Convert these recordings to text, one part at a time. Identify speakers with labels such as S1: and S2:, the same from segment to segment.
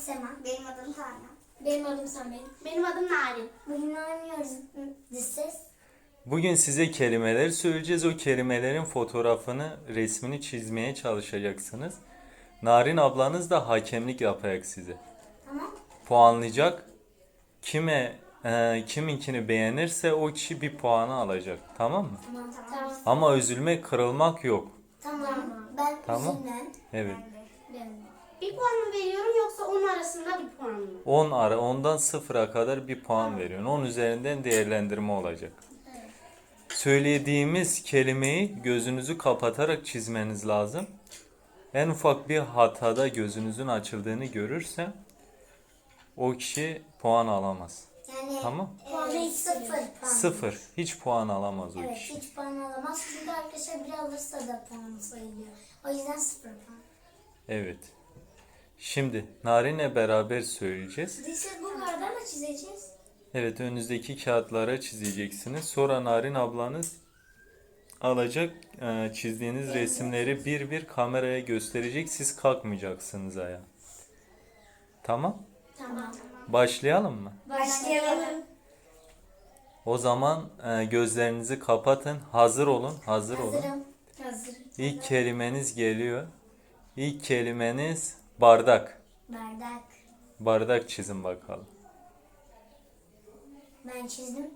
S1: Sema.
S2: Benim adım Tana.
S1: Benim adım Samet.
S2: Benim adım Narin.
S1: Bugün oynuyoruz. This is.
S3: Bugün size kelimeler söyleyeceğiz. O kelimelerin fotoğrafını, resmini çizmeye çalışacaksınız. Narin ablanız da hakemlik yapacak size.
S1: Tamam.
S3: Puanlayacak. Kiminkini beğenirse o kişi bir puanı alacak. Tamam mı?
S1: Tamam.
S3: Ama üzülmek, kırılmak yok.
S1: Tamam. Ben
S3: Tamam.
S1: üzülmem.
S3: Evet.
S2: Bir puan mı veriyorum yoksa onun arasında bir puan mı?
S3: 10'dan 0'a kadar bir puan veriyorsun. 10 üzerinden değerlendirme olacak. Söylediğimiz kelimeyi gözünüzü kapatarak çizmeniz lazım. En ufak bir hatada gözünüzün açıldığını görürse o kişi puan alamaz.
S1: Yani
S3: Tamam?
S1: puanı hiç sıfır puan.
S3: 0. Hiç puan alamaz o
S1: Evet,
S3: kişi.
S1: hiç puan alamaz. Çünkü arkadaşlar bir alırsa da puan sayılıyor. O yüzden sıfır puan.
S3: Evet. Şimdi Narin'le beraber söyleyeceğiz.
S1: This is bu kardan mı çizeceğiz?
S3: Evet, önünüzdeki kağıtlara çizeceksiniz. Sonra Narin ablanız alacak çizdiğiniz resimleri bir bir kameraya gösterecek. Siz kalkmayacaksınız ayağa. Tamam?
S1: Tamam.
S3: Başlayalım mı?
S1: Başlayalım.
S3: O zaman gözlerinizi kapatın. Hazır olun. Hazır olun.
S1: Hazırım. Hazırım.
S3: İlk kelimeniz geliyor. İlk kelimeniz bardak.
S1: Bardak.
S3: Bardak çizin bakalım.
S1: Ben çizdim.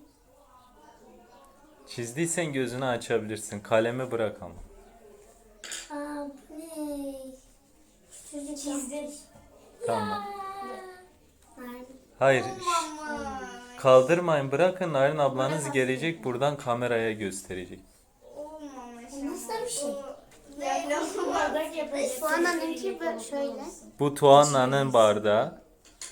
S3: Çizdiysen gözünü açabilirsin. Kalemi bırak ama.
S1: Aa, bu ne? Çocuk çizdim.
S3: Tamam.
S1: Nerede?
S3: Hayır. Kaldırmayın, bırakın. Narin ablanız gelecek, buradan kameraya gösterecek.
S2: Olmamış.
S1: Bu nasıl bir şey?
S2: Bardak yapacağız. Tuana'nınki şöyle.
S3: Bu Tuana'nın bardağı.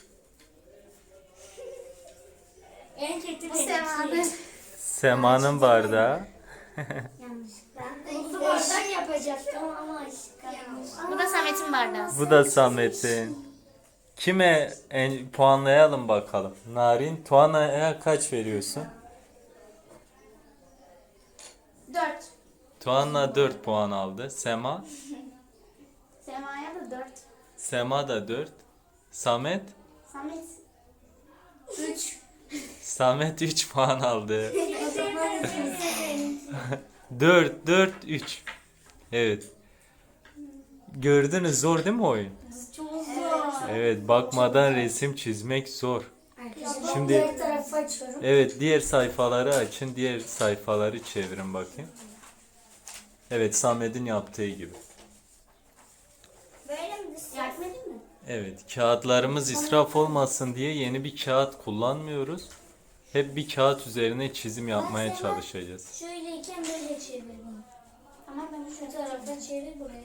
S1: En kötü
S2: Bu Sema'nın.
S3: Sema'nın bardağı.
S1: Yanlış.
S2: Bu
S1: Bardak yapacaktım ama yanlış.
S2: Bu da Samet'in bardağı.
S3: Bu da Samet'in. Kime puanlayalım bakalım. Narin, Tuana'ya kaç veriyorsun?
S2: 4.
S3: Tuana 4 puan aldı. Sema?
S2: Sema'ya da 4.
S3: Sema da 4. Samet?
S2: Samet 3.
S3: Samet 3 puan aldı. 4, 4, 3. Evet. Gördünüz, zor değil mi oyun?
S1: Çok zor.
S3: Evet, bakmadan resim çizmek zor.
S1: Arkadaşlar
S3: Şimdi-
S1: diğer tarafı açıyorum.
S3: Evet, diğer sayfaları açın. Diğer sayfaları çevirin bakayım. Evet, Samet'in yaptığı gibi.
S2: Böyle mi? Yardım edeyim mi?
S3: Evet, kağıtlarımız israf olmasın diye yeni bir kağıt kullanmıyoruz. Hep bir kağıt üzerine çizim yapmaya çalışacağız.
S1: Şöyleyken böyle çevir bunu.
S2: Tamam ben
S1: Şu taraftan çevir buraya.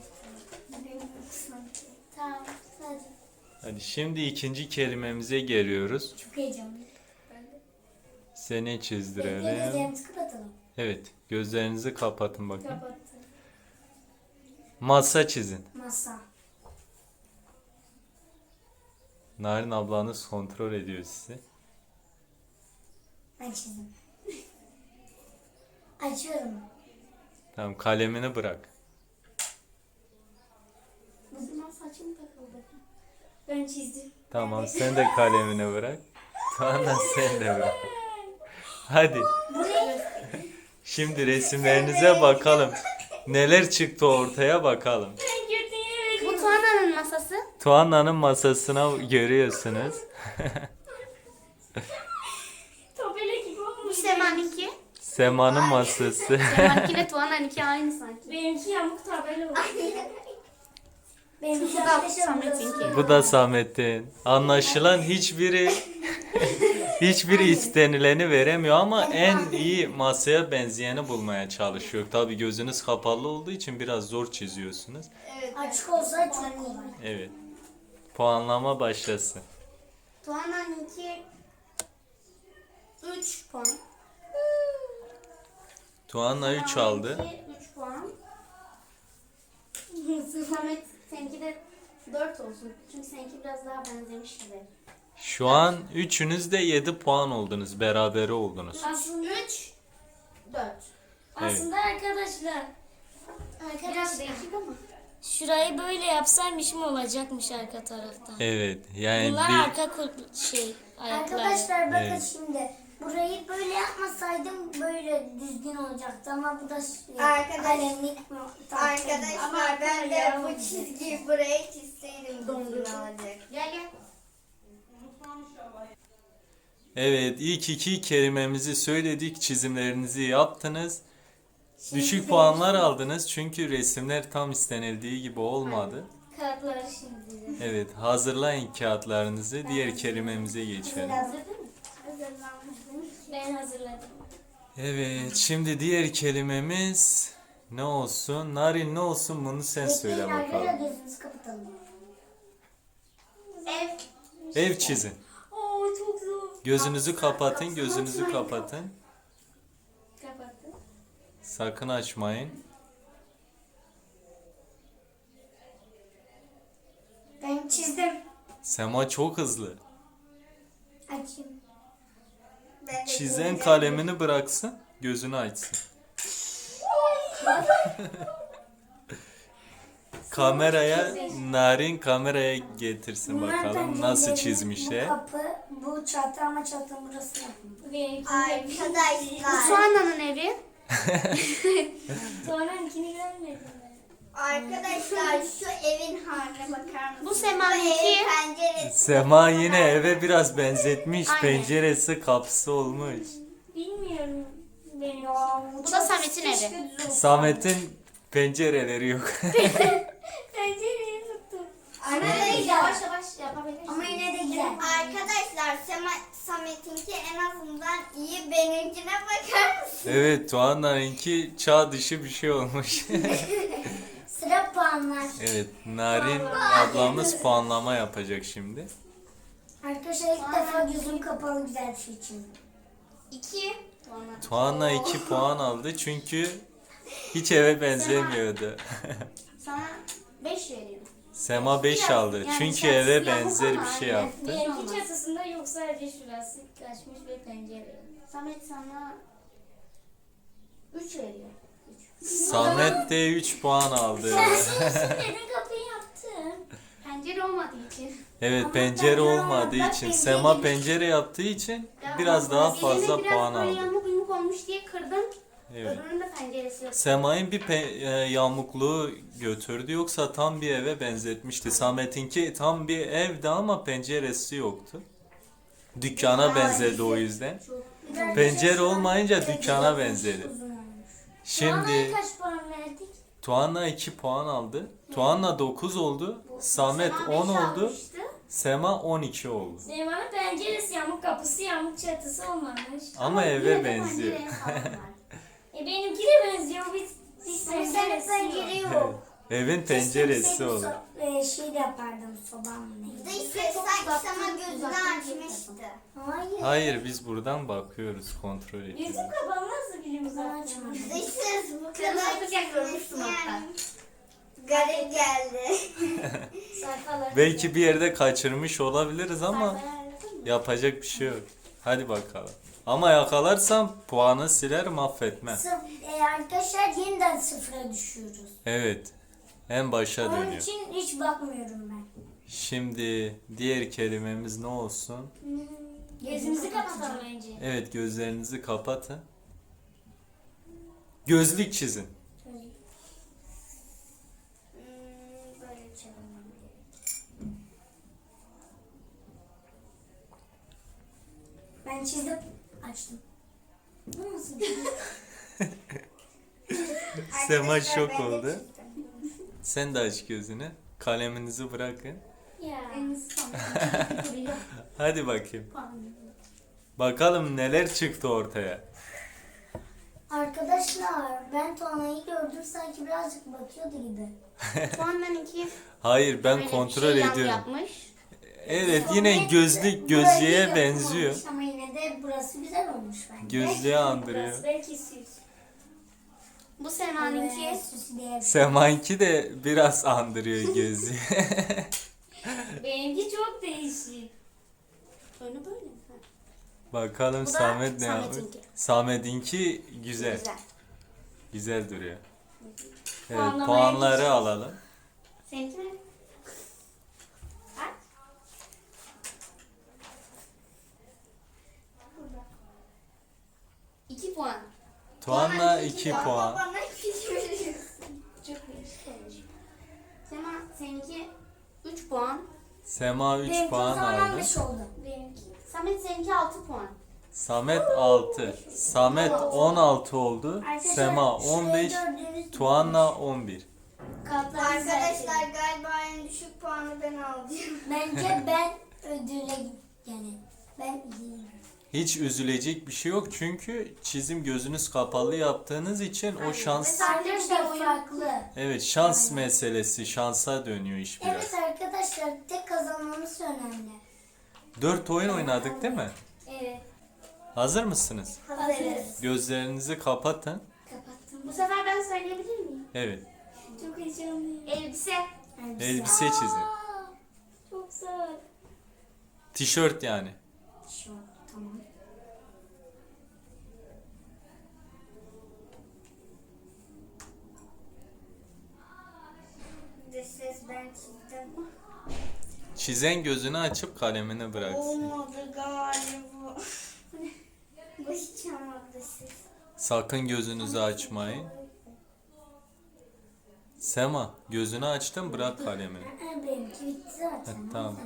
S1: Tamam. Hadi.
S3: Hadi şimdi ikinci kelimemize geliyoruz.
S1: Çok heyecanlı.
S3: Seni çizdirelim.
S1: Gözlerimizi kapatalım.
S3: Evet, gözlerinizi kapatın bakın.
S1: Kapattım.
S3: Masa çizin.
S1: Masa.
S3: Narin ablanız kontrol ediyor sizi.
S1: Ben çizdim. Açıyorum.
S3: Tamam, kalemini bırak.
S2: O zaman saçım takıldı.
S1: Ben çizdim.
S3: Tamam, sen de kalemini bırak. Tuana sen de bırak. Hadi. Şimdi resimlerinize bakalım. Neler çıktı ortaya bakalım.
S2: Bu Tuana'nın masası.
S3: Tuana'nın masasına görüyorsunuz.
S1: Tabela gibi
S2: Bu
S1: olmuş.
S2: Sema'nınki.
S3: Sema'nın masası.
S2: Sema'nınki ile Tuana'nınki aynı sanki.
S1: Benimki yamuk tabela olmuş. Benimki
S2: Bu da Samet'inki.
S3: Bu da Samet'in. Anlaşılan hiçbiri istenileni veremiyor ama en iyi masaya benzeyeni bulmaya çalışıyor. Tabii gözünüz kapalı olduğu için biraz zor çiziyorsunuz.
S1: Açık olsa çok kolay.
S3: Evet. Puanlama başlasın.
S2: Tuana'nınki 3 puan.
S3: Tuana 3 aldı.
S2: 3 puan. Samet seninki de 4 olsun. Çünkü seninki biraz daha benzemiş gibi.
S3: Şu an üçünüz de 7 puan oldunuz. Berabere oldunuz.
S1: Aslında
S2: 3 4.
S1: Aslında arkadaşlar
S2: Biraz değişik ama.
S1: Şurayı böyle yapsaymışım olacakmış arka taraftan.
S3: Evet. Yani
S1: Bunlar
S3: bir
S1: arka ayakları.
S4: Arkadaşlar bakın
S3: Evet.
S4: şimdi. Burayı böyle yapmasaydım böyle düzgün olacaktı ama bu da kalemlik
S5: Arkadaşlar ben de bu çizgiyi buraya çizseydim düzgün olacak.
S2: Gel gel.
S3: Evet, ilk iki kelimemizi söyledik, çizimlerinizi yaptınız. Düşük puanlar aldınız çünkü resimler tam istenildiği gibi olmadı.
S1: Kağıtları şimdi.
S3: Evet, hazırlayın kağıtlarınızı, diğer kelimemize geçelim.
S1: Ben hazırladım.
S3: Evet, şimdi diğer kelimemiz ne olsun? Narin ne olsun bunu sen söyle
S4: Arkadaşlar
S3: bakalım.
S4: gözünüzü kapatalım.
S2: Ev.
S3: Ev çizin.
S1: Oo çok zor.
S3: Gözünüzü kapatın, gözünüzü kapatın.
S1: Kapattım.
S3: Sakın açmayın.
S4: Ben çizdim.
S3: Sema çok hızlı.
S4: Açayım.
S5: Ben de
S3: Çizen kalemini bıraksın, gözünü açsın. Kameraya, Narin kameraya getirsin bakalım nasıl
S4: pencereleri,
S3: çizmişler.
S4: Bu kapı, bu çatı ama çatının burası yapılmış.
S1: Benimkini
S5: Arkadaşlar,
S2: Soğana'nın evi.
S1: Sonrankini görmedim ben.
S5: arkadaşlar şu evin haline bakar mısınız?
S2: Bu Sema'nınki.
S5: evin penceresi.
S3: Sema yine eve biraz benzetmiş,
S2: Aynen.
S3: penceresi kapısı olmuş.
S1: Bilmiyorum benim.
S2: Bu da Samet'in evi.
S3: Samet'in pencereleri yok.
S1: Pencereyi tuttum.
S2: Yavaş yavaş yapabilirsin.
S4: Ama yine de güzel.
S5: Arkadaşlar Samet'inki en azından iyi, benimkine bakar mısınız?
S3: Evet, Tuana'nınki çağ dışı bir şey olmuş.
S4: Sıra puanlar.
S3: Evet, Narin ablamız puanlama yapacak şimdi.
S4: Arkadaşlar ilk defa gözüm kapalı güzel bir şey çizdim.
S2: 2.
S3: Tuana 2 puan aldı çünkü hiç eve benzemiyordu.
S2: Sana 5 veriyorum.
S3: Sema 5 aldı
S2: Yani
S3: çünkü
S2: sen
S3: eve
S2: siyah
S3: benzer
S2: ama
S3: bir şey
S2: aynen.
S3: yaptı.
S1: Benimki çatısında yok sadece şurası kaçmış ve pencere.
S2: Samet sana 3 veriyor.
S3: Samet de 3 puan aldı.
S1: Neden kapıyı yaptım?
S2: Pencere olmadığı için.
S3: Evet, pencere olmadığı için Sema pencere yaptığı için biraz daha fazla
S2: Biraz
S3: puan
S2: böyle
S3: aldı.
S2: yamuk yumuk olmuş diye kırdım.
S3: Evet.
S2: Öbürünün de penceresi yok.
S3: Sema'nın bir yamukluğu götürdü yoksa tam bir eve benzetmişti. Samet'inki tam bir evdi ama penceresi yoktu. Dükkana benzedi o yüzden. Pencere olmayınca dükkana benzedi. Şimdi
S1: Kaç puan verdik?
S3: Tuana 2 puan aldı. Tuana 9 oldu. Samet
S2: Sema
S3: 10
S2: beş
S3: oldu.
S2: almıştı.
S3: Sema 12 oldu.
S1: Sema'nın penceresi yamuk, kapısı yamuk, çatısı olmamış.
S3: Ama
S2: Yine
S3: eve
S2: de
S3: benziyor.
S2: pencereye sağlam var.
S1: Benimki de benziyor. Bir penceresi
S4: Pencere
S1: yok.
S4: yok.
S3: Evin penceresi olur.
S4: Şey de yapardım sobam neydi?
S5: Dış ses sanki sana gözünü açmıştı.
S4: Hayır.
S3: Hayır, biz buradan bakıyoruz, kontrol ediyoruz.
S1: Yüzüm kapalı nasıl bilim uzatma?
S5: Dış ses bu kadar
S2: Kırmızı görmüşsün
S5: yani.
S2: hatta.
S5: Garip geldi.
S1: Sayfalar.
S3: Belki bir yerde kaçırmış olabiliriz ama
S2: Sayfalar anladın mı?
S3: yapacak bir şey yok. Hadi bakalım. Ama yakalarsam puanı siler, mahvetmem.
S4: Arkadaşlar yeniden sıfıra düşüyoruz.
S3: Evet. En başa
S4: Onun
S3: dönüyor.
S4: için hiç bakmıyorum ben.
S3: Şimdi diğer kelimemiz ne olsun?
S1: Gözümüzü kapatalım önce.
S3: Evet, gözlerinizi kapatın. Gözlük çizin.
S4: Böyle çevirmem gerek. Ben çizdim. Açtım. Bu nasıl bir şey?
S3: Sema şok oldu. Sen de aç gözünü. Kaleminizi bırakın.
S1: Ya.
S2: En son. Duruyor.
S3: Hadi bakayım.
S2: Puan.
S3: Bakalım neler çıktı ortaya.
S4: Arkadaşlar ben Tuana'yı gördüm sanki birazcık bakıyordu gibi.
S2: Puandan 2.
S3: Hayır, ben kontrol ediyorum.
S2: Yapmış.
S3: Evet, yine gözlük
S4: Burayı
S3: gözlüğe
S4: yapılmamış
S3: benziyor.
S4: Ama yine de burası güzel olmuş bence.
S3: Gözlüğe andırıyor.
S1: Burası belki süs.
S2: Bu Sema'nınki.
S4: Süs diye bir şey.
S3: Sema'nki de biraz andırıyor gözlüğü.
S1: Benimki çok değişik.
S2: Önü böyle mi? Ha.
S3: Bakalım
S2: Bu da
S3: Samet ne yapmış?
S2: Samet'inki.
S3: Samet'inki güzel.
S2: Güzel.
S3: Güzel duruyor. Evet,
S1: Puanlamaya
S3: puanları
S1: geçeceğiz.
S3: alalım.
S2: Seninki mi? Aç. Burada. 2 puan.
S3: Tuanla 2
S5: Ama
S3: puan.
S5: bana hiç veriyorsun.
S2: Çok iyi. Sema seninki 3 puan.
S3: Sema 3
S1: Benimki o
S3: puan
S1: zaman
S3: aldı.
S1: 15 oldu.
S2: Benimki. Samet seninki 6 puan.
S3: Samet 6. Samet 16 oldu. Sema 15. Tuanla 11.
S5: Arkadaşlar galiba en düşük puanı ben alacağım.
S1: Bence ben ödüle yani ben iyiyim.
S3: Hiç üzülecek bir şey yok çünkü çizim gözünüz kapalı yaptığınız için o şans,
S1: Arkadaşlar farklı.
S3: evet, şans meselesi, şansa dönüyor iş biraz.
S1: Evet arkadaşlar tek kazanmamız önemli.
S3: 4 oyun oynadık değil mi?
S1: Evet.
S3: Hazır mısınız?
S1: Hazırız.
S3: Gözlerinizi kapatın.
S1: Kapattım.
S2: Bu sefer ben söyleyebilir miyim?
S3: Evet.
S1: Çok heyecanlıyım.
S2: Elbise.
S3: Elbise çizin.
S1: Çok zor.
S3: Tişört yani.
S1: Şu tamam.
S5: Ses ben çizdim.
S3: Çizen gözünü açıp kalemini bıraksın.
S5: Olmadı galiba. Bu hiç olmadı ses.
S3: Sakın gözünüzü açmayın. Sema, gözünü açtın, bırak kalemini.
S1: Benimki bitti zaten.
S3: Tamam.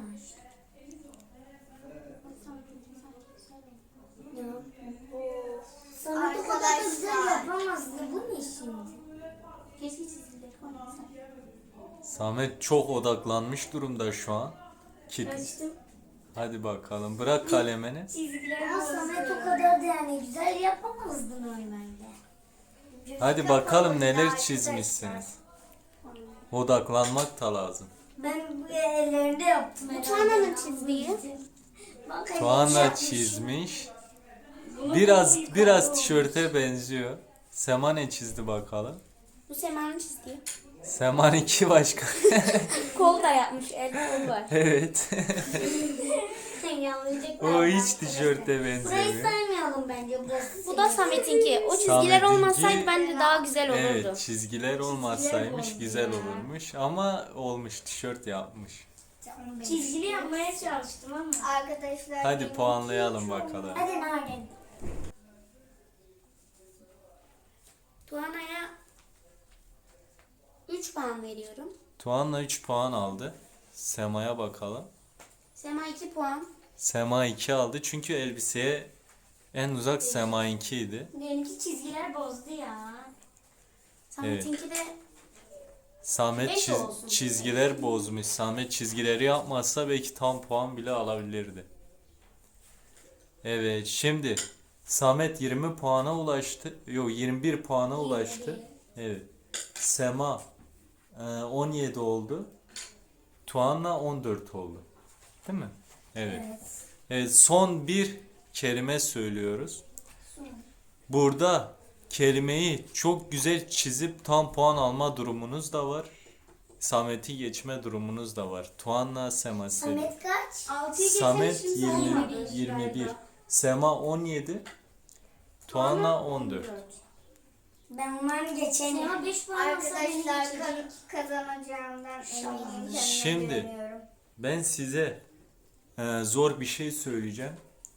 S1: Sana bu kadar da güzel yapamazdı. Bu ne şimdi?
S2: Keşke çizgileri koymasam.
S3: Samet çok odaklanmış durumda şu an. Hadi bakalım, bırak kalemini.
S1: Ama Samet o kadar da yani güzel yapamazdın normalde.
S3: Hadi bakalım neler çizmişsiniz. Odaklanmak da lazım.
S1: Ben bu ellerinde yaptım.
S2: Bu Tuana'nın çizdiği.
S1: Bak,
S3: Tuana
S1: yapmış.
S3: çizmiş. Biraz tişörte benziyor. Sema ne çizdi bakalım?
S2: Bu Sema'nın çizdiği.
S3: Sema'nınki başka.
S2: Kol da yapmış. El kolu var.
S3: Evet.
S1: Yanlayacaklar.
S3: O hiç tişörte
S1: Burayı
S3: benzemiyor.
S1: saymayalım bence burası.
S2: Bu da Samet'inki. O çizgiler
S3: Samet'inki-
S2: olmasaydı bence daha güzel olurdu.
S3: Evet, çizgiler olmasaymış güzel olurmuş ama olmuş, tişört yapmış.
S1: Çizgili yapmaya çalıştım ama.
S5: Arkadaşlar
S3: Hadi
S5: benim
S3: puanlayalım
S5: hiç
S3: bakalım.
S1: Hadi Narin.
S2: Tuana'ya 3 puan veriyorum.
S3: Tuan'la 3 puan aldı. Sema'ya bakalım.
S2: Sema 2 puan.
S3: Sema 2 aldı çünkü elbiseye en uzak Sema'inkiydi.
S1: Benimki çizgiler bozdu ya.
S2: Samet'inki de
S3: Samet
S2: Beş olsun.
S3: çizgiler bozmuş. Samet çizgileri yapmazsa belki tam puan bile alabilirdi. Evet, şimdi Samet 20 puana ulaştı. Yok, 21 puana ulaştı. Evet. Sema 17 oldu. Tuan'la 14 oldu. Değil mi? Evet. Evet, son bir kelime söylüyoruz. Burada kelimeyi çok güzel çizip tam puan alma durumunuz da var. Samet'i geçme durumunuz da var. Tuan'la Sema Selin.
S1: Samet kaç?
S2: 6'yı
S3: Samet
S2: geçelim
S3: 21. Sema 17. Tuan'la 14.
S1: Ben umarım geçerim. Ama 5 puan alsa beni
S5: Arkadaşlar
S1: geçecek.
S5: kazanacağımdan eminim. Kendime
S3: Şimdi
S5: güveniyorum.
S3: ben size zor bir şey söyleyeceğim.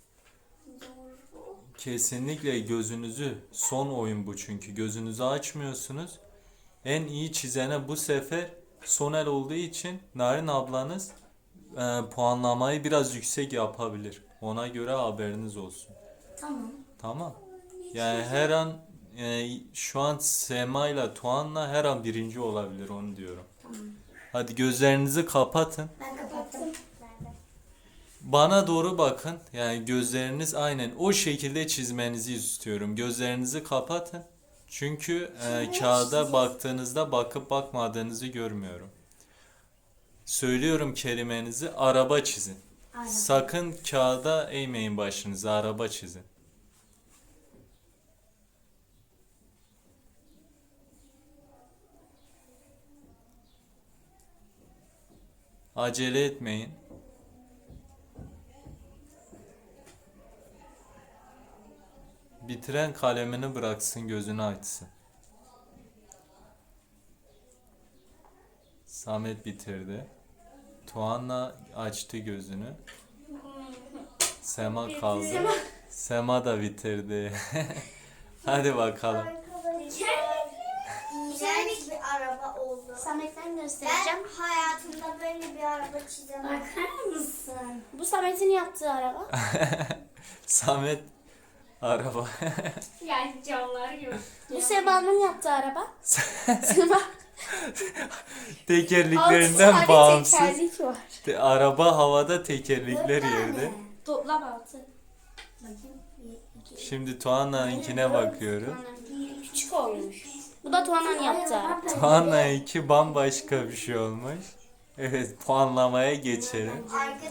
S3: Kesinlikle gözünüzü, son oyun bu çünkü gözünüzü açmıyorsunuz. En iyi çizene bu sefer son el olduğu için Narin ablanız puanlamayı biraz yüksek yapabilir. Ona göre haberiniz olsun.
S1: Tamam.
S3: Tamam. Yani her an şu an Sema ile Tuan'la her an birinci olabilir, onu diyorum. Hadi gözlerinizi kapatın.
S1: Ben kapattım.
S3: Bana doğru bakın. Yani gözleriniz aynen o şekilde çizmenizi istiyorum. Gözlerinizi kapatın. Çünkü kağıda baktığınızda bakıp bakmadığınızı görmüyorum. Söylüyorum kelimenizi, araba çizin. Sakın kağıda eğmeyin başınızı, araba çizin. Acele etmeyin. Bitiren kalemini bıraksın, gözünü açsın. Samet bitirdi. Tuana açtı gözünü. Sema kaldı. Sema da bitirdi. Hadi bakalım.
S5: İğrenç bir araba oldu.
S2: Samet'ten
S5: Ben
S2: göstereceğim.
S5: hayatımda böyle bir araba çizemem.
S1: Bakar mısın?
S2: Bu Samet'in yaptığı araba.
S3: Samet araba.
S2: Yani camlar yok. Bu Seba'nın yaptığı araba. Seba.
S3: Tekerleklerinden
S2: 6 tane
S3: bağımsız.
S2: tekerlik var.
S3: Araba havada, tekerlekler yerde.
S2: Toplam 6.
S3: Şimdi Tuana'nınkine bakıyorum.
S2: Küçük olmuş. Bu da Tuana'nın yaptığı araba.
S3: Tuana'nınki bambaşka bir şey olmuş. Evet, puanlamaya geçelim.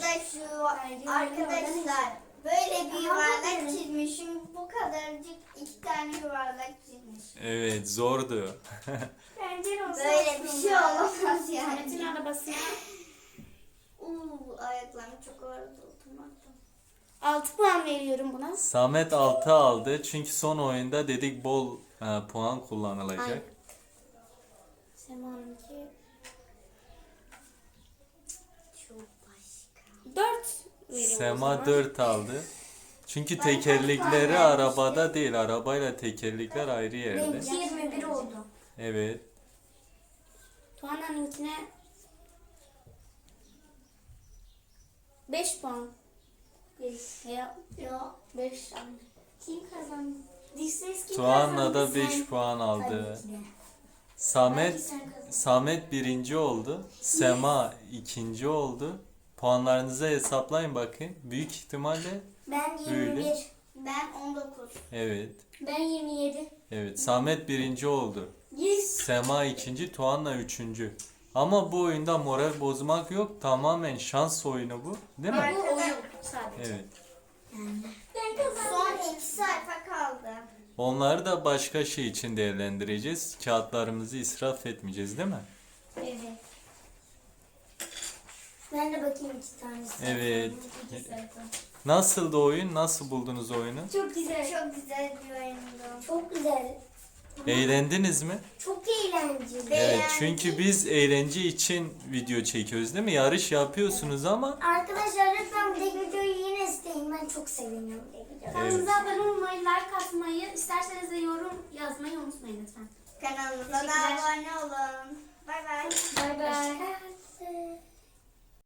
S5: Arkadaşlar böyle bir yuvarlak çizmişim. Bu kadarcık 2 tane yuvarlak çizmişim.
S3: Evet, zordu.
S5: Böyle bir şey olamaz yani.
S2: Samet'in arabasına
S5: Ayaklarım çok ağrıdı oturmaktan.
S2: 6 puan veriyorum buna.
S3: Samet 6 aldı çünkü son oyunda dedik bol puan kullanılacak.
S2: Aynen. Sema'nınki
S5: Çok başka.
S2: 4 veriyorum o
S3: Sema
S2: zaman.
S3: 4 aldı. Çünkü tekerlekleri arabada değil, arabayla tekerlekler ayrı yerde.
S1: Benimki 21 oldu.
S3: Evet.
S2: Tuana'nınkine 5 puan. 5 ya 5. Kim kazandı?
S1: Dişsiz kim
S3: Tuana
S1: kazandı?
S3: da
S1: Sen.
S3: 5 puan aldı.
S1: Tabii ki de.
S3: Samet Samet birinci oldu. Sema ikinci oldu. Puanlarınızı hesaplayın bakın. Büyük ihtimalle
S1: Ben
S3: Öyle.
S1: 21.
S5: Ben 19.
S3: evet.
S1: Ben 27.
S3: Evet. Samet birinci oldu.
S1: 100.
S3: Sema ikinci, Tuana üçüncü. Ama bu oyunda moral bozmak yok. Tamamen şans oyunu bu. Değil mi?
S2: Bu oyun sadece.
S3: Evet.
S5: Son 2 sayfa kaldı.
S3: Onları da başka şey için değerlendireceğiz. Kağıtlarımızı israf etmeyeceğiz değil mi?
S1: Evet. Ben de bakayım 2 tanesi.
S3: Evet. Nasıldı oyun? Nasıl buldunuz oyunu?
S1: Çok güzel.
S5: Çok güzel bir oyundu.
S1: Çok güzel.
S3: Eğlendiniz mi?
S1: Çok eğlenceli.
S3: Evet,
S5: Beğendim.
S3: çünkü biz eğlence için video çekiyoruz değil mi? Yarış yapıyorsunuz ama
S1: Arkadaşlar lütfen bu videoyu yine isteyin. Ben çok seviniyorum bu videoyu.
S2: Kanalımıza abone olmayı, like atmayı, isterseniz de yorum yazmayı unutmayın lütfen.
S5: Kanalımıza da
S2: Teşekkürler.
S5: abone olun. Bay bay.
S2: Bay bay.
S1: Hoşçakalın.